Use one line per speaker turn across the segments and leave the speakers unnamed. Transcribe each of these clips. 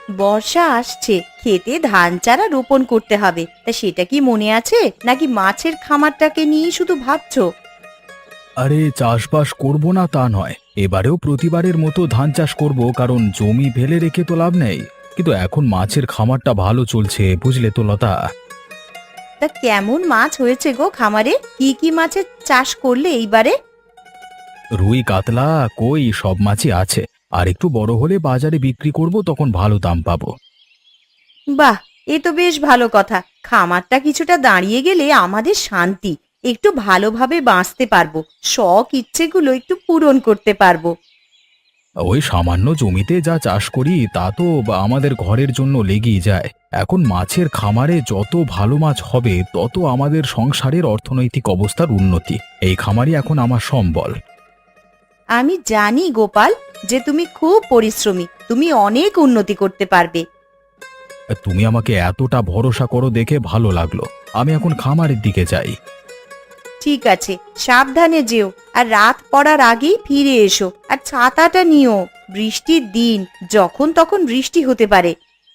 বর্ষা আসছে, খেতে ধান চারা রোপণ করতে হবে, তা সেটা কি মনে আছে নাকি মাছের খামারটাকে নিয়ে শুধু ভাবছো?
আরে চাষবাস করব না তা নয়, এবারেও প্রতিবারের মতো ধান চাষ করব, কারণ জমি ফেলে রেখে তো লাভ নেই। কিন্তু এখন মাছের খামারটা ভালো চলছে, বুঝলে তো লতা।
তা কেমন মাছ হয়েছে গো খামারে? কি কি মাছের চাষ করলে এইবারে?
রুই কাতলা কই সব মাছই আছে। আর একটু বড় হলে বাজারে বিক্রি করব, তখন ভালো দাম পাবো।
বাহ, এ তো বেশ ভালো কথা। খামারটা কিছুটা দাঁড়িয়ে গেলে আমাদের শান্তি, একটু ভালোভাবে বাঁচতে পারবো, শখ ইচ্ছেগুলো একটু পূরণ করতে পারবো।
ওই সামান্য জমিতে যা চাষ করি তা তো আমাদের ঘরের জন্য লেগেই যায়। এখন মাছের খামারে যত ভালো মাছ হবে তত আমাদের সংসারের অর্থনৈতিক অবস্থার উন্নতি। এই খামারই এখন আমার সম্বল।
আমি জানি গোপাল, যে তুমি খুব পরিশ্রমী, তুমি অনেক উন্নতি করতে পারবে।
তুমি আমাকে এতটা ভরসা করো দেখে ভালো লাগলো। আমি এখন খামারের দিকে যাই।
ঠিক আছে, সাবধানে যেও, আর রাত পড়ার আগেই ফিরে এসো। আর ছাতাটা নিও, বৃষ্টির দিন, যখন তখন বৃষ্টি হতে পারে।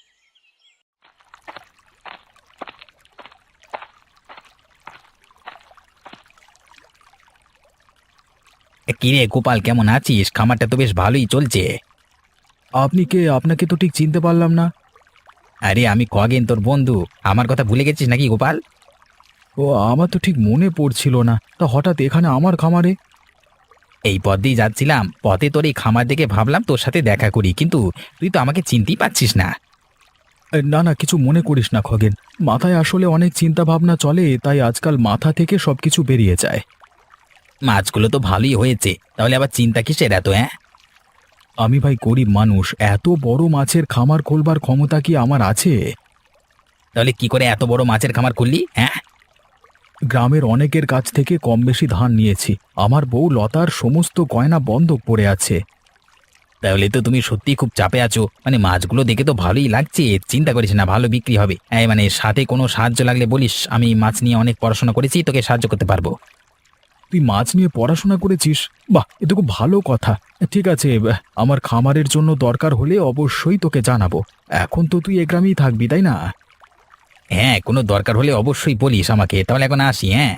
কিরে গোপাল, কেমন আছিস? খামারটা তো বেশ ভালোই চলছে।
আপনি কে? আপনাকে তো ঠিক চিনতে পারলাম না।
আরে আমি খগেন, তোর বন্ধু। আমার কথা ভুলে গেছিস নাকি গোপাল?
ও, আমার তো ঠিক মনে পড়ছিল না, তা হঠাৎ এখানে আমার খামারে?
এই পথ দিয়ে যাচ্ছিলাম, পথে তোর এই খামার দেখে ভাবলাম তোর সাথে দেখা করি, কিন্তু তুই তো আমাকে চিনতেই পারছিস না।
না না, কিছু মনে করিস না খগেন। মাথায় আসলে অনেক চিন্তা ভাবনা চলে, তাই আজকাল মাথা থেকে সবকিছু বেরিয়ে যায়।
মাছগুলো তো ভালোই হয়েছে, তাহলে আবার চিন্তা কিসের এত? হ্যাঁ,
আমি ভাই গরিব মানুষ, এত বড় মাছের খামার খোলবার ক্ষমতা কি আমার আছে?
তাহলে কি করে এত বড় মাছের খামার করলি? হ্যাঁ,
গ্রামের অনেকের কাছ থেকে কম বেশি ধার নিয়েছি। আমার বউ লতার সমস্ত গয়না বন্ধক পড়ে আছে।
তাহলে তো তুমি সত্যিই খুব চাপে আছো। মানে মাছগুলো দেখে তো ভালোই লাগছে, চিন্তা করিস না, ভালো বিক্রি হবে। এই মানে সাথে কোনো সাহায্য লাগলে বলিস, আমি মাছ নিয়ে অনেক পড়াশোনা করেছি, তোকে সাহায্য করতে পারবো।
তুই মাছ নিয়ে পড়াশোনা করেছিস? বাহ, এ তো খুব ভালো কথা। ঠিক আছে, আমার খামারের জন্য দরকার হলে অবশ্যই তোকে জানাবো। এখন তো তুই এ গ্রামেই থাকবি, তাই না?
হ্যাঁ, কোনো দরকার হলে অবশ্যই বলিস আমাকে। তাহলে এখন আসি, হ্যাঁ।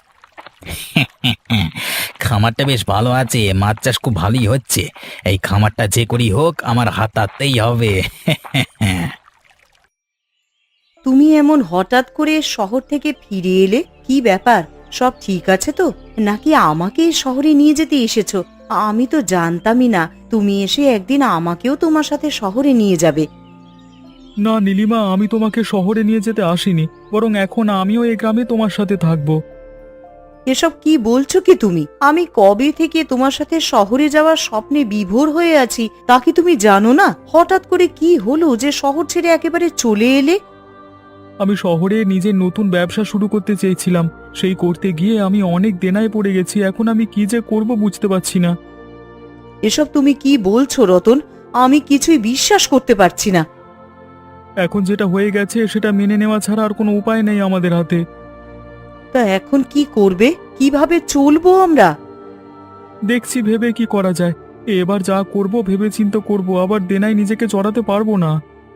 খামারটা বেশ ভালো আছে, মাছ চাষ খুব ভালোই হচ্ছে। এই খামারটা যে করি হোক আমার হাতাতেই হবে।
তুমি এমন হঠাৎ করে শহর থেকে ফিরে এলে, কি ব্যাপার? সব ঠিক আছে তো, নাকি আমাকে শহরে নিয়ে যেতে এসেছো? আমি তো জানতামই না তুমি এসে একদিন আমাকেও তোমার সাথে শহরে নিয়ে যাবে।
না নীলিমা, আমি তোমাকে শহরে নিয়ে যেতে আসিনি, বরং এখন আমিও এই গ্রামে তোমার সাথে থাকবো।
এসব কি বলছো কি তুমি? আমি কবে থেকে তোমার সাথে শহরে যাওয়ার স্বপ্নে বিভোর হয়ে আছি, তা কি তুমি জানো না? হঠাৎ করে কি হলো যে শহর ছেড়ে একেবারে চলে এলে?
আমি শহরে নিজের নতুন ব্যবসা শুরু করতে চেয়েছিলাম, সেই করতে গিয়ে আমি অনেক দেনায় পড়ে গেছি। এখন আমি কি যে করব বুঝতে পারছি না।
এসব তুমি কি বলছো রতন? আমি কিছুই বিশ্বাস করতে পারছি না।
এখন যেটা হয়ে গেছে সেটা মেনে নেওয়া ছাড়া আর কোনো উপায় নেই আমাদের হাতে।
তা এখন কি করবে? কিভাবে চলবো আমরা?
দেখছি ভেবে কি করা যায়। এবার যা করব ভেবে চিন্তে করব, আবার দেনায় নিজেকে জড়াতে পারবো না।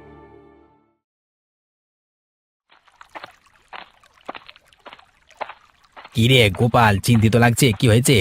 কিরে গোপাল, চিন্তিত লাগছে, কি হয়েছে?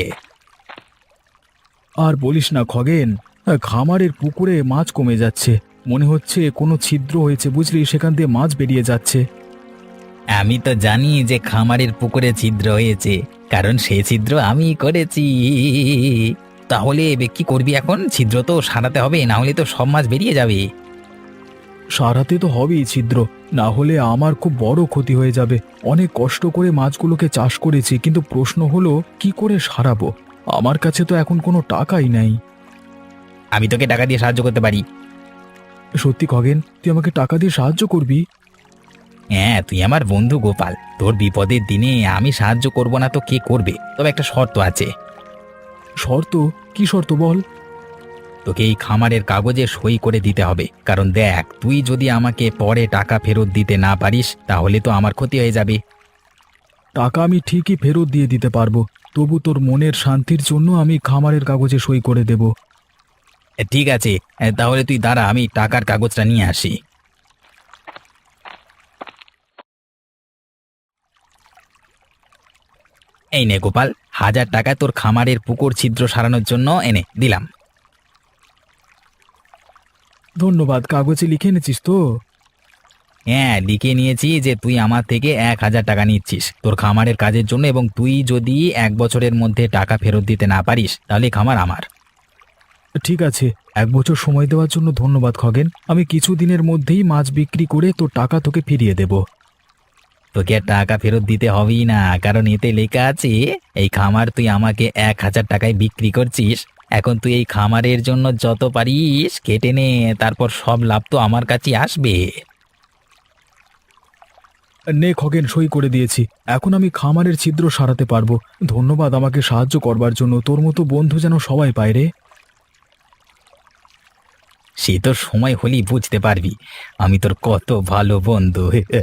আর বলিস না খগেন, খামারের পুকুরে মাছ কমে যাচ্ছে। মনে হচ্ছে কোনো ছিদ্র হয়েছে, বুঝলি, সেখান দিয়ে মাছ বেরিয়ে যাচ্ছে।
আমি তো জানি যে খামারের পুকুরে ছিদ্র হয়েছে, কারণ সেই ছিদ্র আমি করেছি। তাহলে কি করবি এখন? ছিদ্র তো সারাতে হবে, না হলে তো সব মাছ বেরিয়ে যাবে।
সারাতে তো হবেই ছিদ্র, না হলে আমার খুব বড় ক্ষতি হয়ে যাবে। অনেক কষ্ট করে মাছগুলোকে চাষ করেছি, কিন্তু প্রশ্ন হলো কি করে সারাবো। আমার কাছে তো এখন কোনো টাকাই নাই।
আমি তোকে টাকা দিয়ে সাহায্য করতে পারি।
সত্যি খগেন, তুই আমাকে টাকা দিয়ে সাহায্য করবি?
হ্যাঁ, তুই আমার বন্ধু গোপাল, তোর বিপদের দিনে আমি সাহায্য করব না তো কে করবে? তবে একটা শর্ত আছে।
শর্ত? কি শর্ত বল?
তোকে এই খামারের কাগজে সই করে দিতে হবে, কারণ দেখ, তুই যদি আমাকে পরে টাকা ফেরত দিতে না পারিস তাহলে তো আমার ক্ষতি হয়ে যাবে।
টাকা আমি ঠিকই ফেরত দিয়ে দিতে পারবো, তবু তোর মনের শান্তির জন্য আমি খামারের কাগজে সই করে দেব।
ঠিক আছে, তাহলে তুই দাঁড়া, আমি টাকার কাগজটা নিয়ে আসি। এই নে গোপাল, 1,000 টাকা তোর খামারের পুকুর ছিদ্র সারানোর জন্য এনে দিলাম।
ধন্যবাদ। কাগজে লিখে এনেছিস তো?
হ্যাঁ, লিখে নিয়েছি যে তুই আমার থেকে 1,000 টাকা নিচ্ছিস তোর খামারের কাজের জন্য, এবং তুই যদি 1 বছরের মধ্যে টাকা ফেরত দিতে না পারিস তাহলে খামার আমার।
ঠিক আছে, 1 বছর সময় দেওয়ার জন্য ধন্যবাদ খগেন। আমি কিছুদিনের মধ্যেই মাছ বিক্রি করে তোর টাকা তোকে ফিরিয়ে দেব।
তোকে আর টাকা ফেরত দিতে হবেই না, কারণ এতে লেখা আছে এই খামার তুই আমাকে 1,000 টাকায় বিক্রি করছিস। এখন তুই এই খামারের জন্য যত পারিস কেটে নে, তারপর সব লাভ তো আমার কাছে আসবে।
নে খগেন, সই করে দিয়েছি। এখন আমি খামারের ছিদ্র সারাতে পারবো। ধন্যবাদ আমাকে সাহায্য করবার জন্য। তোর মতো বন্ধু যেন সবাই পায় রে।
সে তোর সময় হলেই বুঝতে পারবি আমি তোর কত ভালো বন্ধু।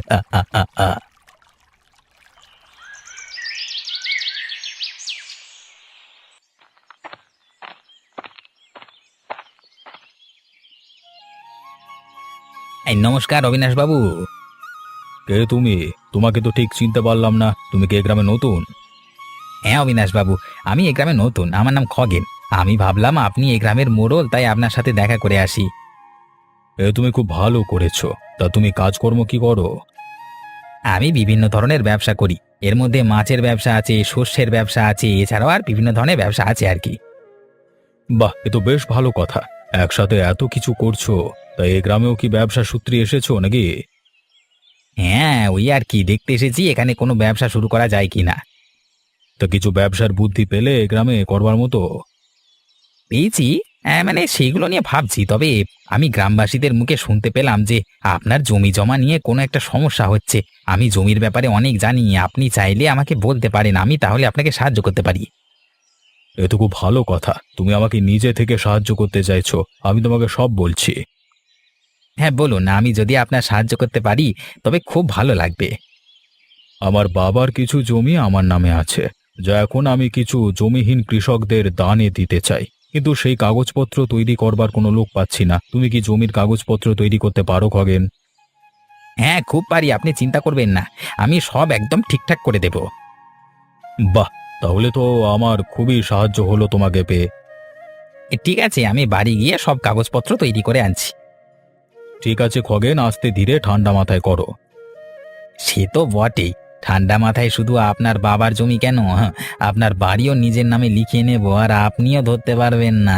এই নমস্কার অবিনাশ বাবু।
কে তুমি? তোমাকে তো ঠিক চিনতে পারলাম না। তুমি কি এই গ্রামে নতুন?
হ্যাঁ অবিনাশ বাবু, আমি এই গ্রামে নতুন, আমার নাম খগেন। আমি ভাবলাম আপনি এই গ্রামের মোড়ল, তাই আপনার সাথে দেখা করে আসি।
তুমি খুব ভালো করেছো। তা তুমি কাজকর্ম কি করো?
আমি বিভিন্ন ধরনের ব্যবসা করি, এর মধ্যে মাছের ব্যবসা আছে, শস্যের ব্যবসা আছে, এছাড়াও আর বিভিন্ন ধরনের ব্যবসা আছে আর কি।
বাহ, এ তো বেশ ভালো কথা। একসাথে এত কিছু করছো। তা এই গ্রামেও কি ব্যবসা সূত্রে এসেছো নাকি?
হ্যাঁ, ওই আর কি দেখতে এসেছি এখানে কোনো ব্যবসা শুরু করা যায় কি না।
তা কিছু ব্যবসার বুদ্ধি পেলে এই গ্রামে করবার মতো?
পেয়েছি, মানে সেইগুলো নিয়ে ভাবছি। তবে আমি গ্রামবাসীদের মুখে শুনতে পেলাম যে আপনার জমি জমা নিয়ে কোনো একটা সমস্যা হচ্ছে। আমি জমির ব্যাপারে অনেক জানি, আপনি চাইলে আমাকে বলতে পারেন, আমি তাহলে আপনাকে সাহায্য করতে পারি।
এ তো খুব ভালো কথা। তুমি আমাকে নিজে থেকে সাহায্য করতে চাইছো। আমি তোমাকে সব বলছি।
হ্যাঁ বলুন, আমি যদি আপনার সাহায্য করতে পারি তবে খুব ভালো লাগবে।
আমার বাবার কিছু জমি আমার নামে আছে, যা এখন আমি কিছু জমিহীন কৃষকদের দানে দিতে চাই। কিন্তু সেই কাগজপত্র তৈরি করবার কোনো লোক পাচ্ছি না। তুমি কি জমির কাগজপত্র তৈরি করতে পারো খগেন?
হ্যাঁ খুব পারি, আপনি চিন্তা করবেন না, আমি সব একদম ঠিকঠাক করে দেব।
বাহ, তাহলে তো আমার খুবই সাহায্য হলো তোমাকে পেয়ে।
ঠিক আছে, আমি বাড়ি গিয়ে সব কাগজপত্র তৈরি করে আনছি।
ঠিক আছে খগেন, আস্তে ধীরে ঠান্ডা মাথায় করো।
সে তো বটেই, ঠান্ডা মাথায় শুধু আপনার বাবার জমি কেন, হ্যাঁ, আপনার বাড়িও নিজের নামে লিখিয়ে নেব, আর আপনিও ধরতে পারবেন না।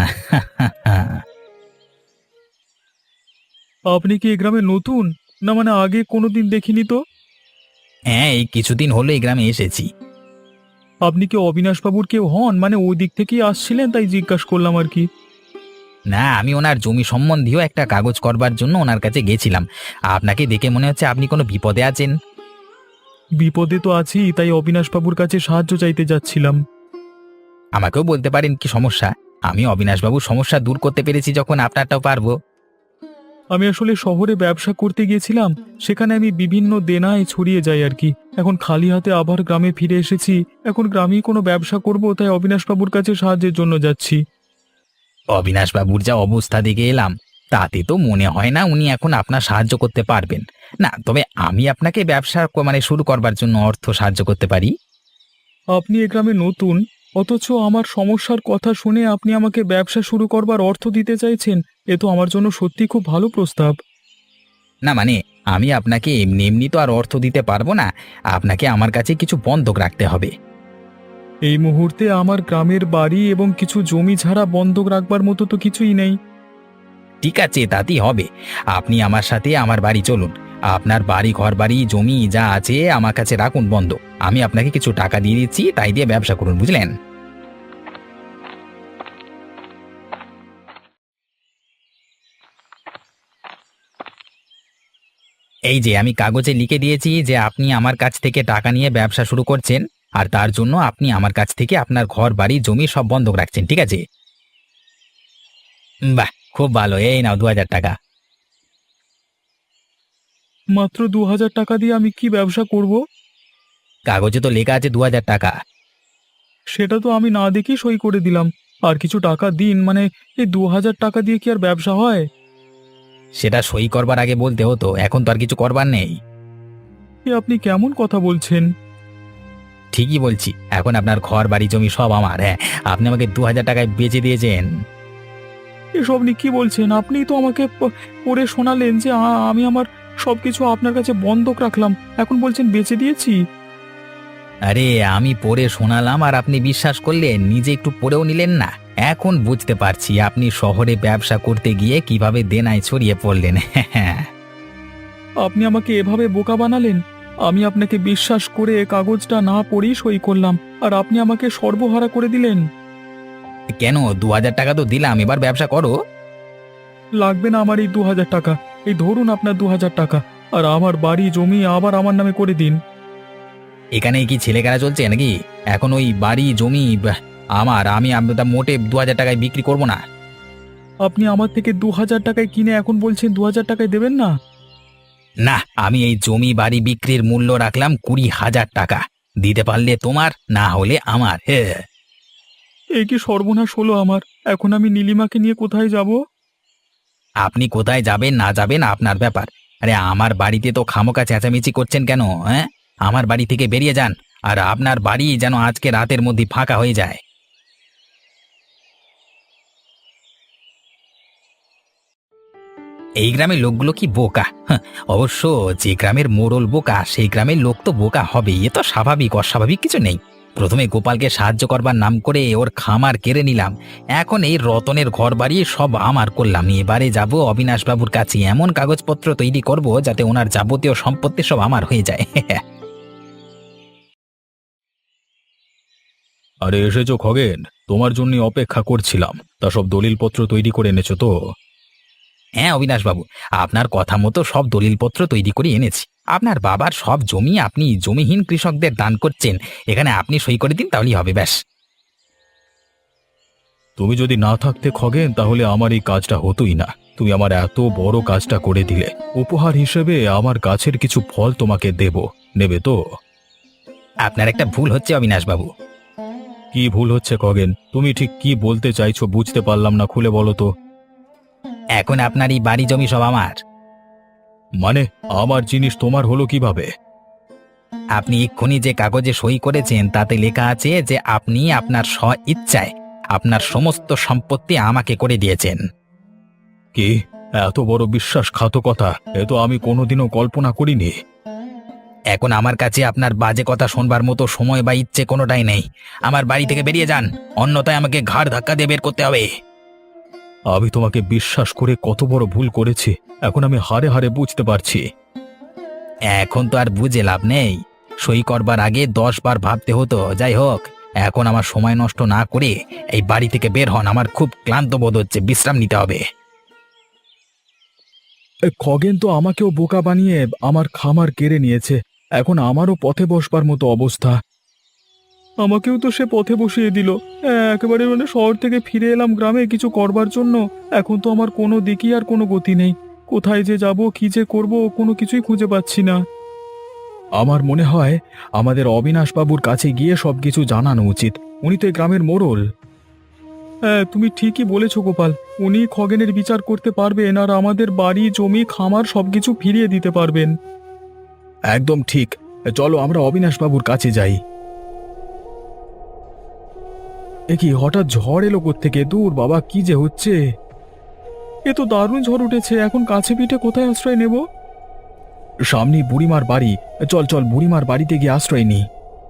আপনি কি এই গ্রামে নতুন? না মানে আগে কোনোদিন দেখিনি তো।
হ্যাঁ, এই কিছুদিন হলো এই গ্রামে এসেছি।
আপনি কি অবিনাশবাবুর কেউ হন? মানে ওই দিক থেকেই আসছিলেন, তাই জিজ্ঞাসা করলাম আর কি।
না, আমি ওনার জমি সম্বন্ধীয় একটা কাগজ করবার জন্য ওনার কাছে গেছিলাম। আপনাকে দেখে মনে হচ্ছে আপনি কোনো বিপদে আছেন।
বিপদে তো আছি, তাই অবিনাশবাবুর কাছে সাহায্য চাইতে যাচ্ছিলাম।
আমাকেও বলতে পারেন কি সমস্যা, আমি অবিনাশবাবুর সমস্যা দূর করতে পেরেছি যখন আপনারটাও পারবো।
আমি আসলে শহরে ব্যবসা করতে গিয়েছিলাম, সেখানে আমি বিভিন্ন দেনায় ছড়িয়ে যাই আর কি। এখন খালি হাতে আবার গ্রামে ফিরে এসেছি। এখন গ্রামেই কোনো ব্যবসা করব, তাই অবিনাশবাবুর কাছে সাহায্যের জন্য যাচ্ছি।
অবিনাশবাবুর যা অবস্থা দেখে এলাম, তাতে তো মনে হয় না উনি এখন আপনার সাহায্য করতে পারবেন। না, তবে আমি আপনাকে ব্যবসা মানে শুরু করবার জন্য অর্থ সাহায্য করতে পারি।
আপনি এ গ্রামে নতুন, অথচ আমার সমস্যার কথা শুনে আপনি আমাকে ব্যবসা শুরু করবার অর্থ দিতে চাইছেন। এ তো আমার জন্য সত্যি খুব ভালো প্রস্তাব।
না মানে, আমি আপনাকে এমনি এমনি তো আর অর্থ দিতে পারবো না, আপনাকে আমার কাছে কিছু বন্ধক রাখতে হবে।
এই মুহূর্তে আমার গ্রামের বাড়ি এবং কিছু জমি ছাড়া বন্ধক রাখবার মতো তো কিছুই নেই।
ঠিক আছে, তাতেই হবে। আপনি আমার সাথে আমার বাড়ি চলুন, আপনার বাড়ি ঘর বাড়ি জমি যা আছে আমার কাছে রাখুন বন্ধক, আমি আপনাকে কিছু টাকা দিয়ে দিচ্ছি, তাই দিয়ে ব্যবসা করুন, বুঝলেন? এই যে আমি কাগজে লিখে দিয়েছি যে আপনি আমার কাছ থেকে টাকা নিয়ে ব্যবসা শুরু করছেন, আর তার জন্য আপনি আমার কাছ থেকে আপনার ঘর বাড়ি জমি সব বন্ধক রাখছেন, ঠিক আছে? বাহ, খুব ভালো, এই নাও 2,000 টাকা।
মাত্র 2,000 টাকা দিয়ে আমি কি ব্যবসা করব?
কাগজে তো লেখা আছে 2,000 টাকা।
সেটা তো আমি না দেখে সই করে দিলাম। আর কিছু টাকা দিন, মানে এই 2000 টাকা দিয়ে কি আর ব্যবসা হয়?
সেটা সই করবার আগে বলতে হতো, এখন তো আর কিছু করবার নেই।
এ আপনি কেমন কথা বলছেন?
ঠিকই বলছি, এখন আপনার ঘর বাড়ি জমি সব আমার। হ্যাঁ, আপনি আমাকে 2000 টাকায় বেচে দিয়েছেন।
এসব আপনি কি বলছেন? আপনিই তো আমাকে পড়ে শোনালেন যে আমি আমার সবকিছু আপনার কাছে বন্ধক রাখলাম, এখন বলছেন বেচে দিয়েছি।
আরে আমি পড়ে শোনালাম আর আপনি বিশ্বাস করলেন, নিজে একটু পড়েও নিলেন না। এখন বুঝতে পারছি আপনি শহরে ব্যবসা করতে গিয়ে কিভাবে দেনায় ছড়িয়ে পড়লেন।
আপনি আমাকে এভাবে বোকা বানালেন। আমি আপনাকে বিশ্বাস করে কাগজটা না পড়েই সই করলাম, আর আপনি আমাকে সর্বহারা করে দিলেন।
কেন, 2000 টাকা তো দিলাম, এবার ব্যবসা করো।
লাগবে না আমার এই 2000 টাকা। এই ধরুন আপনার 2000 টাকা, আর আমার বাড়ি জমি আবার আমার নামে করে দিন।
এখানে কি ছেলেখেলা চলছে নাকি? এখন ওই বাড়ি জমি আমার, আমি আপনার মোটে 2000 টাকায় বিক্রি করব না।
আপনি আমার থেকে 2000 টাকায় কিনে এখন বলছেন 2000 টাকায় দেবেন না?
না, আমি এই জমি বাড়ি বিক্রির মূল্য রাখলাম 20,000 টাকা। দিতে পারলে তোমার, না হলে আমার। হে,
এই কি সর্বনাশ হলো আমার! এখন আমি নীলিমাকে নিয়ে কোথায় যাব?
আপনি কোথায় যাবেন না যাবেন আপনার ব্যাপার। আরে আমার বাড়িতে তো খামোকা চেঁচামেচি করছেন কেন? হ্যাঁ, আমার বাড়ি থেকে বেরিয়ে যান। আর আপনার বাড়ি যেন আজকে রাতের মধ্যে ফাঁকা হয়ে যায়। এই গ্রামের লোকগুলো কি বোকা! হাহ, অবশ্য যে গ্রামের মোড়ল বোকা সেই গ্রামের লোক তো বোকা হবেই, এ তো স্বাভাবিক, অস্বাভাবিক কিছু নেই। প্রথমে গোপালকে সাহায্য করবার নাম করে ওর খামার কেড়ে নিলাম, এখন এই রতনের ঘর বাড়ি সব আমার করলাম। এবারে যাব অবিনাশবাবুর কাছে, এমন কাগজপত্র তৈরি করব যাতে ওনার যাবতীয় সম্পত্তি সব আমার হয়ে যায়।
আরে এসেছো খগেন, তোমার জন্য অপেক্ষা করছিলাম। তা সব দলিলপত্র তৈরি করে এনেছো তো?
হ্যাঁ অবিনাশবাবু, আপনার কথা মতো সব দলিলপত্র তৈরি করে এনেছি। আপনার বাবার সব জমি আপনি জমিহীন কৃষকদের দান করছেন, এখানে আপনি সই করে দিন তাহলেই হবে, ব্যাস।
তুমি যদি না থাকতে খগেন, তাহলে আমার এই কাজটা হতোই না। তুমি আমার এত বড় কাজটা করে দিলে। উপহার হিসেবে আমার গাছের কিছু ফল তোমাকে দেব, নেবে তো?
আপনার একটা ভুল হচ্ছে অবিনাশবাবু।
কি ভুল হচ্ছে খগেন? তুমি ঠিক কি বলতে চাইছো বুঝতে পারলাম না, খুলে বলো তো।
এখন আপনার এই বাড়ি জমি সব আমার।
মানে আমার জিনিস তোমার হলো কিভাবে?
আপনি এক্ষুনি যে কাগজে সই করেছেন তাতে লেখা আছে যে আপনি আপনার স্ব ইচ্ছায় আপনার সমস্ত সম্পত্তি আমাকে করে দিয়েছেন।
কি? এত বড় বিশ্বাসঘাতকতা এ তো আমি কোনোদিনও কল্পনা করিনি।
এখন আমার কাছে আপনার বাজে কথা শোনবার মতো সময় বা ইচ্ছে কোনোটাই নেই। আমার বাড়ি থেকে বেরিয়ে যান, অন্যথায় আমাকে ঘাড় ধাক্কা দিয়ে বের করতে হবে।
আমি তোমাকে বিশ্বাস করে কত বড় ভুল করেছি, এখন আমি হারে হারে বুঝতে পারছি।
এখন তো আর বুঝে লাভ নেই, সই করবার আগে 10 বার ভাবতে হতো। যাই হোক, এখন আমার সময় নষ্ট না করে এই বাড়ি থেকে বের হন, আমার খুব ক্লান্ত বোধ হচ্ছে, বিশ্রাম নিতে হবে।
খগেন তো আমাকেও বোকা বানিয়ে আমার খামার কেড়ে নিয়েছে, এখন আমারও পথে বসবার মতো অবস্থা। আমাকেও তো সে পথে বসিয়ে দিল। একেবারে মানে শহর থেকে ফিরে এলাম গ্রামে কিছু করবার জন্য। এখন তো আমার কোনো দিকই আর কোনো গতি নেই। কোথায় যে যাব, কি যে করব, কোনো কিছুই খুঁজে পাচ্ছি না। আমার মনে হয় আমাদের অবিনাশবাবুর কাছে গিয়ে সবকিছু জানানো উচিত। উনি তো এই গ্রামের মোড়ল। হ্যাঁ, তুমি ঠিকই বলেছো গোপাল। উনি খগেনের বিচার করতে পারবেন আর আমাদের বাড়ি জমি খামার সবকিছু ফিরিয়ে দিতে পারবেন। একদম ঠিক। চলো আমরা অবিনাশবাবুর কাছে যাই। এ কি হঠাৎ ঝড় এলো কোত্থেকে? দূর বাবা, কি যে হচ্ছে! এ তো দারুণ ঝড় উঠেছে, এখন কাছে পিঠে কোথায় আশ্রয় নেব? সামনে বুড়িমার বাড়ি। চল চল, বুড়িমার বাড়িতে গিয়ে আশ্রয় নিই।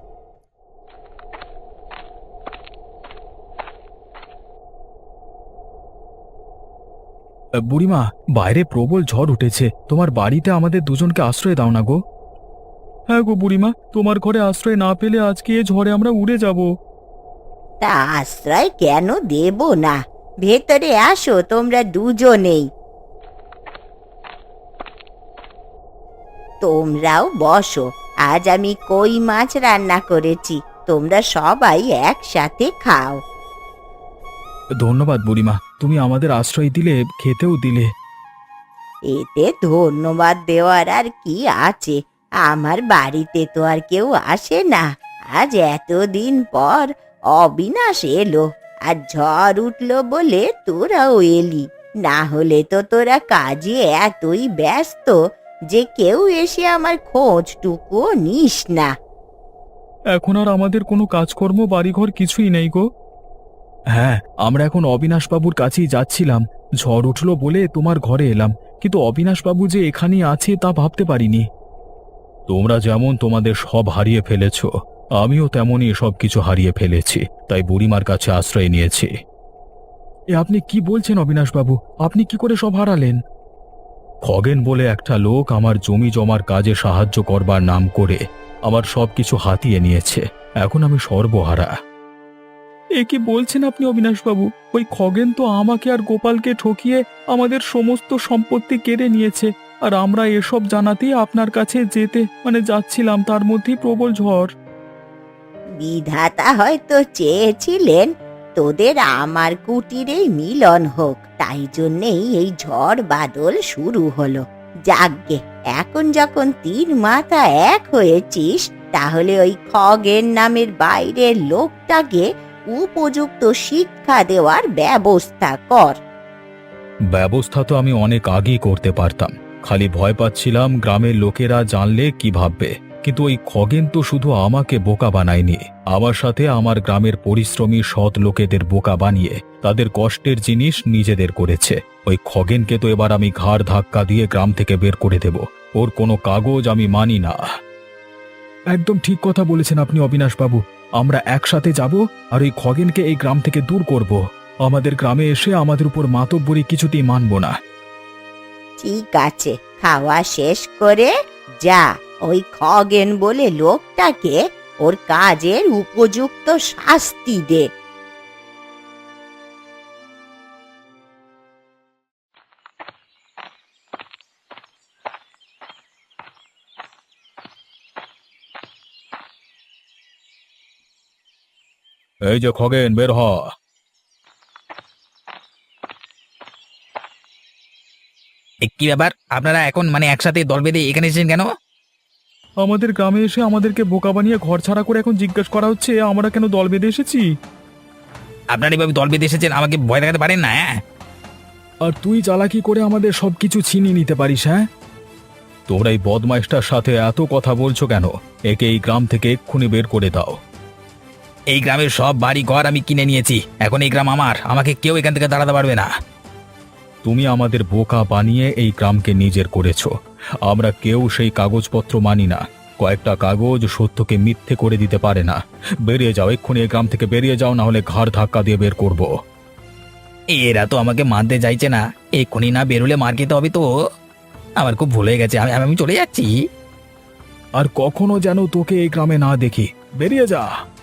বুড়িমা, বাইরে প্রবল ঝড় উঠেছে, তোমার বাড়িতে আমাদের দুজনকে আশ্রয় দাও না গো। হ্যাঁ গো বুড়িমা, তোমার ঘরে আশ্রয় না পেলে আজকে এ ঝড়ে আমরা উড়ে যাব।
তা আশ্রয় কেন দেব না? ভেতরে আসো তোমরা দুজনেই। তোমরাও বসো, আজ আমি কই মাছ রান্না করেছি, তোমরা সবাই একসাথে খাও।
ধন্যবাদ বুড়িমা, তুমি আমাদের আশ্রয় দিলে, খেতেও দিলে।
এতে ধন্যবাদ দেওয়ার আর কি আছে? আমার বাড়িতে তো আর কেউ আসে না, আজ এতদিন পর অবিনাশ এলো, আর ঝড় উঠলো বলে তোরাও এলি, না হলে তো তোরা কাজে এতই ব্যস্ত যে কেউ এসে আমার খোঁজটুকুও নিস না।
এখন আর আমাদের কোনো কাজকর্ম বাড়িঘর কিছুই নেই গো। হ্যাঁ, আমরা এখন অবিনাশবাবুর কাছেই যাচ্ছিলাম। ঝড় উঠল বলে তোমার ঘরে এলাম, কিন্তু অবিনাশবাবু যে এখানেই আছে তা ভাবতে পারিনি। তোমরা যেমন তোমাদের সব হারিয়ে ফেলেছ, আমিও তেমনই সব কিছু হারিয়ে ফেলেছি, তাই বুড়িমার কাছে আশ্রয় নিয়েছি। এ আপনি কি বলছেন অবিনাশবাবু? আপনি কি করে সব হারালেন? খগেন বলে একটা লোক আমার জমি জমার কাজে সাহায্য করবার নাম করে আমার সবকিছু হাতিয়ে নিয়েছে। এখন আমি সর্বহারা। এ কি বলছেন আপনি অবিনাশবাবু? ওই খগেন তো আমাকে আর গোপালকে ঠকিয়ে আমাদের সমস্ত সম্পত্তি কেড়ে নিয়েছে, আর আমরা এসব জানাতেই আপনার কাছে যাচ্ছিলাম, তার মধ্যেই প্রবল ঝড়।
বিধাতা হয়তো চেয়েছিলেন তোদের আমার কুটিরেই মিলন হোক, তাই জন্যেই এই ঝড় বাদল শুরু হলো। যাগ্গে, এখন যখন তিন মাথা এক হয়েছিস, তাহলে ওই খগেন নামের বাইরের লোকটাকে উপযুক্ত শিক্ষা দেওয়ার ব্যবস্থা কর।
ব্যবস্থা তো আমি অনেক আগেই করতে পারতাম, খালি ভয় পাচ্ছিলাম গ্রামের লোকেরা জানলে কি ভাববে। কিন্তু ওই খগেন তো শুধু আমাকে বোকা বানায়নি, আমার সাথে আমার গ্রামের পরিশ্রমী সৎ লোকেদের বোকা বানিয়ে তাদের কষ্টের জিনিস নিজেদের করেছে। ওই খগেনকে তো এবার আমি ঘাড় ধাক্কা দিয়ে গ্রাম থেকে বের করে দেব। ওর কোনো কাগজ আমি মানি না। একদম ঠিক কথা বলেছেন আপনি অবিনাশবাবু। আমরা একসাথে যাব আর ওই খগেনকে এই গ্রাম থেকে দূর করব। আমাদের গ্রামে এসে আমাদের উপর মাতব্বরি কিছুতেই মানব না।
ঠিক আছে, খাওয়া শেষ করে যা ওই খগেন বলে লোকটাকে ওর কাজের উপযুক্ত শাস্তি দে।
এই যে খগেন, বের হ।
কি ব্যাপার, আপনারা এখন একসাথে দল বেঁধে এখানে এসেছেন কেন?
আমাদের গ্রামে এসে আমাদেরকে বোকা বানিয়ে ঘর ছাড়া করে এখন জিজ্ঞেস করা হচ্ছে আমরা কেন দল বেঁধে এসেছি।
আপনারা এইভাবে দল বেঁধে এসেছেন, আমাকে ভয় দেখাতে পারেন না? হ্যাঁ,
আর তুই চালাকি করে আমাদের সবকিছু ছিনিয়ে নিতে পারিস? হ্যাঁ, তোমরা এই বদমাইশটার সাথে এত কথা বলছো কেন? একে এই গ্রাম থেকে এক্ষুনি বের করে দাও।
এই গ্রামের সব বাড়ি ঘর আমি কিনে নিয়েছি, এখন এই গ্রাম আমার, আমাকে কেউ এখান থেকে দাঁড়াতে পারবে না।
তুমি আমাদের বোকা বানিয়ে এই গ্রামকে নিজের করেছো। আমরা কেউ সেই কাগজপত্র মানি না। কয়েকটা কাগজ সত্যকে মিথ্যে করে দিতে পারে না। বেরিয়ে যাও, এক্ষুনি এই গ্রাম থেকে বেরিয়ে যাও, না হলে ঘাড় ধাক্কা দিয়ে বের করব।
এরা তো আমাকে মারতে চাইছে না, এক্ষুনি না বেরোলে মার খেতে হবে তো। আমার খুব ভুল হয়ে গেছে, আমি আমি চলে যাচ্ছি।
আর কখনো যেন তোকে এই গ্রামে না দেখি। বেরিয়ে যা।